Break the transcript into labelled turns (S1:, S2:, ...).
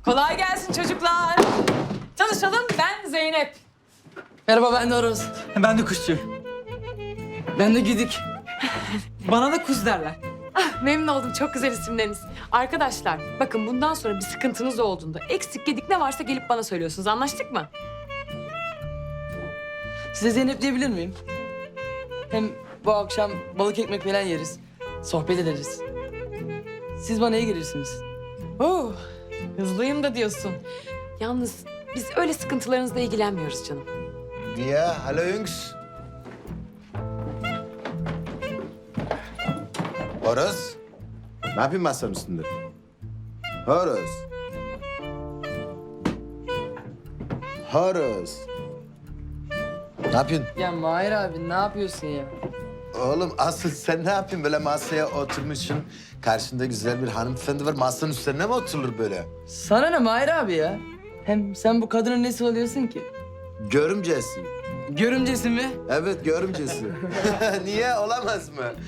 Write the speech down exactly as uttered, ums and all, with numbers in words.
S1: Kolay gelsin çocuklar. Tanışalım, ben Zeynep.
S2: Merhaba, ben de Aros.
S3: Ben de kuşçu.
S2: Ben de Güdük.
S3: Bana da kuz derler.
S1: Ah, memnun oldum, çok güzel isimleriniz. Arkadaşlar, bakın bundan sonra bir sıkıntınız olduğunda, eksik gedik ne varsa gelip bana söylüyorsunuz. Anlaştık mı?
S2: Size Zeynep diyebilir miyim? Hem bu akşam balık ekmek falan yeriz. Sohbet ederiz. Siz bana iyi gelirsiniz.
S1: Oo, hızlıyım da diyorsun. Yalnız biz öyle sıkıntılarınızla ilgilenmiyoruz canım.
S4: Ja, hallo Jungs. Horus, ne yapayım masanın üstünde? Horus. Horus. Ne yapıyorsun?
S2: Ya Mahir abi ne yapıyorsun ya?
S4: Oğlum asıl sen ne yapıyorsun? Böyle masaya oturmuşsun. Karşında güzel bir hanımefendi var. Masanın üstüne mi oturulur böyle?
S2: Sana ne Mahir abi ya? Hem sen bu kadının nesi oluyorsun ki?
S4: Görümcesi.
S2: Görümcesi mi?
S4: Evet, görümcesi. Niye? Olamaz mı?